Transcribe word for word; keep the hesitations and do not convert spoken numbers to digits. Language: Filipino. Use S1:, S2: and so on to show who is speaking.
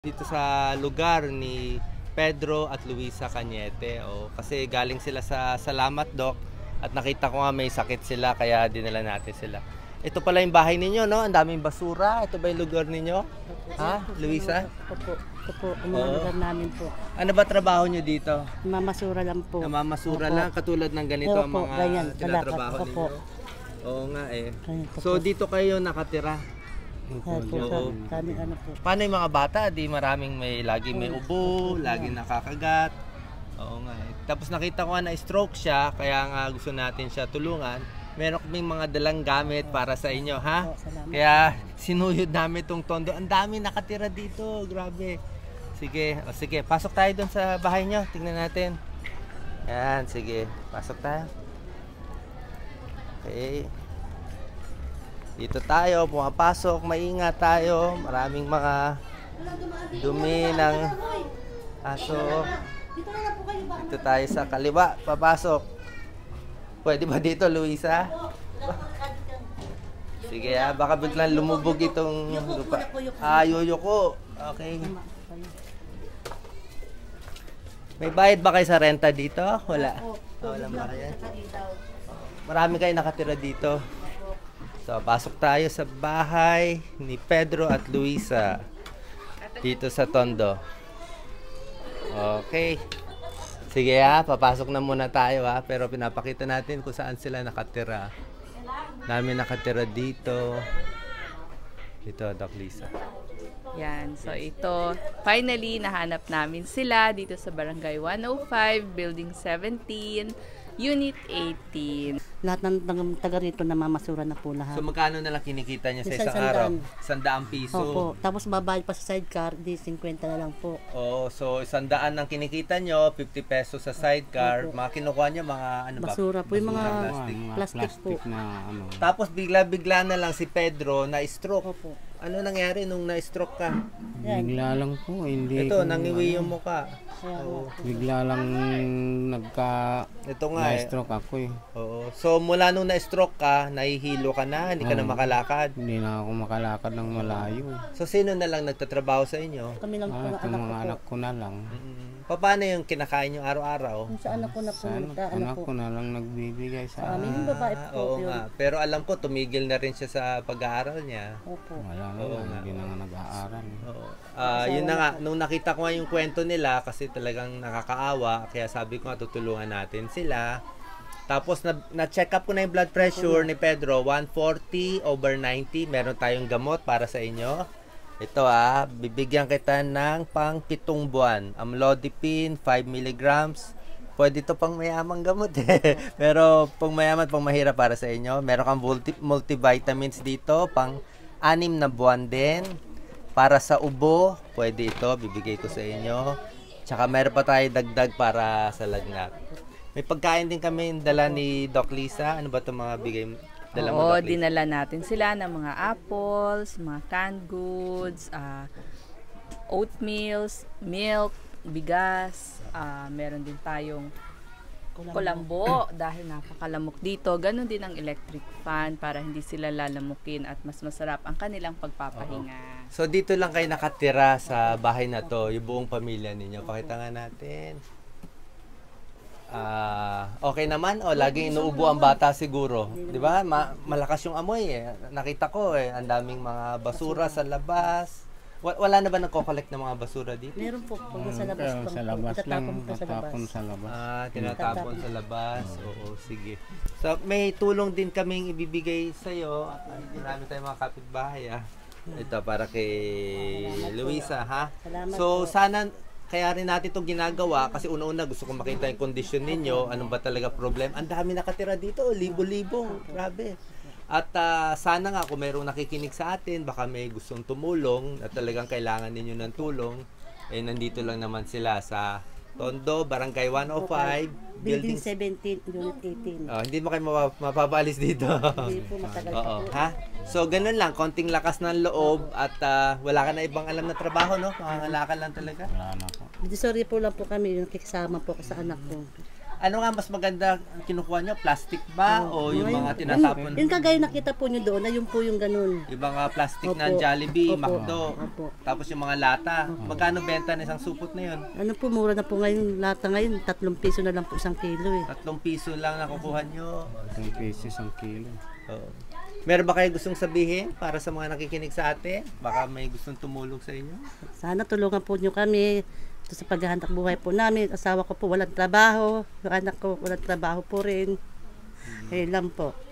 S1: Dito sa lugar ni Pedro at Luisa Cañete. O, kasi galing sila sa Salamat Doc at nakita ko nga may sakit sila kaya dinala natin sila. Ito pala yung bahay ninyo, no? Ang daming basura. Ito ba yung lugar ninyo? Ha, Luisa?
S2: Ito po. Ito po, ang mga lugar namin po.
S1: Ano ba trabaho nyo dito?
S2: Mamasura lang po.
S1: Namamasura
S2: Opo.
S1: lang, katulad ng ganito
S2: Opo,
S1: ang mga
S2: ganyan,
S1: tinatrabaho
S2: kalakad. Opo.
S1: ninyo? Oo nga eh.
S2: Ganito
S1: So
S2: po.
S1: dito kayo nakatira?
S2: Kaya po,
S1: Oo.
S2: sa aming ano po.
S1: Paano yung mga bata? Di maraming may lagi may ubo, lagi nakakagat. Oo nga eh. Tapos nakita ko nga na stroke siya, kaya nga gusto natin siya tulungan. Meron kaming mga dalang gamit para sa inyo, ha?
S2: Opo, salamat.
S1: Kaya sinuyod namin tong tondo. Ang dami nakatira dito, grabe. Sige, o sige, pasok tayo doon sa bahay nyo. Tingnan natin. Yan, sige. Pasok tayo. Okay. Dito tayo, pumapasok, maingat tayo. Maraming mga dumi ng aso. Dito tayo sa kaliwa, papasok. Pwede ba dito, Luisa? Sige ah, baka biglang lumubog itong lupa. Ah, yuyuko. Okay. May bayad ba kayo sa renta dito? Wala. Oh, walang bayad. Marami kayo nakatira dito. So, pasok tayo sa bahay ni Pedro at Luisa dito sa Tondo. Okay. Sige ha, papasok na muna tayo ha. Pero pinapakita natin kung saan sila nakatira. Namin nakatira dito. Dito, Doc Lisa.
S3: Yan. So, ito, finally, nahanap namin sila dito sa Barangay one oh five, Building seventeen, Unit eighteen.
S2: Lahat ng ng taga rito namamasura na po lahat.
S1: So, magkano na lang kinikita niya sa
S2: Isang
S1: isang araw?
S2: sandaan.
S1: Sandaang piso.
S2: Opo. Tapos babayad pa sa sidecar, di fifty na lang po.
S1: Oh, so isang daan ang kinikita nyo, fifty pesos sa sidecar.
S2: Opo.
S1: Mga kinukuha nyo, mga ano ba?
S2: Basura po, yung mga
S1: Basura, plastic.
S4: Mga
S2: plastic po.
S4: na ano.
S1: Tapos bigla-bigla na lang si Pedro na stroke.
S2: Opo.
S1: Ano nangyari nung na-stroke ka?
S2: Yan.
S4: Bigla lang po, hindi
S1: Ito,
S4: ko,
S1: nangiwi
S4: ano,
S1: yung mukha.
S2: Kaya
S1: Oo.
S4: bigla lang nagka
S1: Ito nga eh.
S4: na-stroke ako eh.
S1: Oo. So mula nung na-stroke ka, nahihilo ka na, hindi ka na
S4: Oo.
S1: makalakad.
S4: Hindi na ako makalakad ng malayo.
S1: So sino na lang nagtatrabaho sa inyo?
S2: Kami lang po
S4: Ah,
S2: ng
S4: yung
S2: anak
S4: mga
S2: ko po.
S4: anak ko na lang.
S1: Mm. Paano yung kinakain nyo araw-araw?
S2: Kung sa anak ko na po,
S4: Sa anak,
S2: ta, ano
S4: anak
S2: po.
S4: ko na lang nagbibigay
S2: Sa
S4: sa
S2: amin, yung babae
S1: Ah,
S2: po.
S1: oo
S2: yun.
S1: nga. Pero alam ko, tumigil na rin siya sa pag-aaral niya.
S2: Opo.
S4: Wala na
S1: Oo
S4: lang,
S1: nga,
S4: hindi na nga nag-aaral.
S1: Oo. Ah, yun na nga, nung nakita ko nga yung kwento nila kasi talagang nakakaawa, kaya sabi ko nga tutulungan natin sila. Tapos na, na-check up ko na yung blood pressure ni Pedro, one forty over ninety. Meron tayong gamot para sa inyo. Ito ah, bibigyan kita ng pang pitong buwan. Amlodipine, five milligrams. Pwede ito pang mayamang gamot eh. Pero pang mayaman, pang mahirap para sa inyo. Meron kang multi, multivitamins dito, pang anim na buwan din. Para sa ubo, pwede ito, bibigay ko sa inyo. Tsaka meron pa tayo dagdag para sa lagnat. May pagkain din kami dala ni Doc Lisa. Ano ba itong mga bigay dala mo,
S3: Oo,
S1: Doc Lisa?
S3: dinala natin sila ng mga apples, mga canned goods, ah, oatmeals, milk, bigas, ah, meron din tayong kulambo dahil napakalamok dito. Ganon din ang electric fan para hindi sila lalamukin at mas masarap ang kanilang pagpapahinga.
S1: So dito lang kayo nakatira sa bahay na to, yung buong pamilya ninyo. Pakita nga natin. Ah, okay naman o laging inuubo ang bata siguro, 'di ba? Ma- malakas yung amoy eh. Nakita ko eh, ang daming mga basura sa labas. Wa- wala na ba nagko-collect ng mga basura dito?
S2: Meron po. Pag sa labas
S4: Pero
S2: lang
S4: sa
S2: po.
S4: labas lang,
S2: Itatapon po sa labas.
S4: tatapon sa labas.
S1: Ah, tinatapon sa labas. Oo, sige. So may tulong din kaming ibibigay sa iyo. Marami tayong mga kapitbahay ah. Ito para kay Luisa ha.
S2: Salamat
S1: So
S2: po.
S1: sana kaya rin natin itong ginagawa kasi una-una gusto ko makita yung kondisyon ninyo, anong ba talaga problem. Ang dami nakatira dito, libo-libo, grabe. At ah, sana nga kung mayroong nakikinig sa atin, baka may gustong tumulong at talagang kailangan ninyo ng tulong, eh nandito lang naman sila sa Tondo, Barangay one oh five,
S2: Building
S1: Building...
S2: seventeen, Unit eighteen.
S1: Oh, hindi mo kayo mapa- mapapaalis dito.
S2: Hindi po matagal pa
S1: Oo,
S2: po.
S1: ha? So, ganun lang, konting lakas ng loob at ah, wala ka na ibang alam na trabaho, no? Mangangalakan lang talaga.
S4: Wala na po.
S2: Hindi sorry po lang po kami, yung nakikisama po ko sa anak ko.
S1: Ano nga mas maganda ang kinukuha nyo? Plastic ba? o yung
S2: Ngayon,
S1: mga tinatapon?
S2: Yung kagaya nakita po nyo doon, na yung po yung ganun.
S1: Yung mga plastic na
S2: Opo.
S1: Jollibee,
S2: Opo.
S1: McDo.
S2: Opo.
S1: Tapos yung mga lata. Magkano benta ng isang supot na yun?
S2: Ano po, mura na po ngayon. Lata ngayon, tatlong piso na lang po isang kilo eh.
S1: Tatlong piso lang nakukuha nyo.
S4: Itong pesos ang kilo.
S1: Oo. Meron ba kayo gustong sabihin para sa mga nakikinig sa atin? Baka may gustong tumulong sa inyo?
S2: Sana tulungan po nyo kami. Ito sa paghahanap buhay po namin. Asawa ko po walang trabaho. Yung anak ko walang trabaho po rin. Ayun lang po.